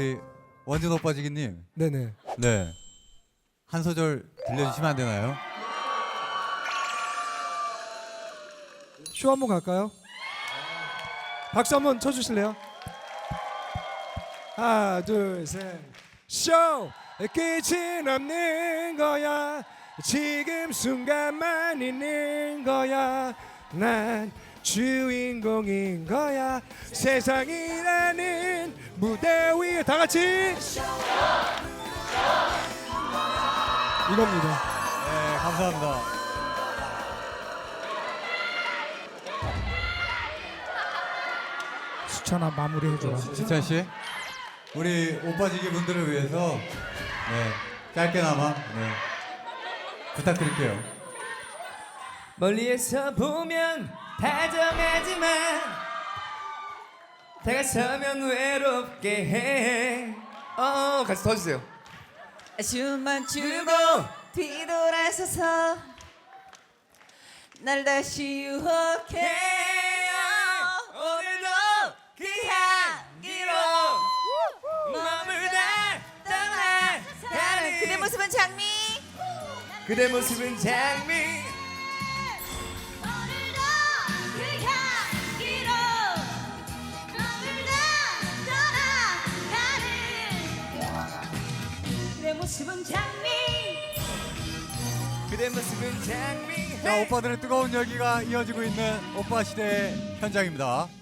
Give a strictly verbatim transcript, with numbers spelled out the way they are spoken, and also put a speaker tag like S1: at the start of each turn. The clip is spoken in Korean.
S1: 우리 원진 오빠지기님.
S2: 네네.
S1: 네. 한 소절 들려주시면 안 되나요?
S2: 쇼 한번 갈까요? 박수 한번 쳐주실래요? 하나 둘 셋. 쇼 끝이 없는 거야. 지금 순간만 있는 거야. 난 주인공인 거야. 세상이라는 무대 위에 다 같이 이겁니다.
S1: 네, 감사합니다.
S2: 수찬아 마무리 해줘라.
S1: 지찬 씨, 우리 오빠지기 분들을 위해서 네, 짧게나마 네, 부탁드릴게요.
S3: 멀리에서 보면 다정하지만 다가서면 외롭게 해. 어, 같이 더 주세요.
S4: 숨만 주고 뒤돌아서서 날 다시 유혹해.
S3: 오늘도 그 향기로 머물다 떠나 가는
S4: 그대 모습은 장미.
S3: 그대 모습은 장미.
S4: 오늘도 그 향기로 머물다 떠나가는 그대 모습은 장미.
S3: 그대 모습은 장미.
S1: 자, 오빠들의 뜨거운 열기가 이어지고 있는 오빠 시대 현장입니다.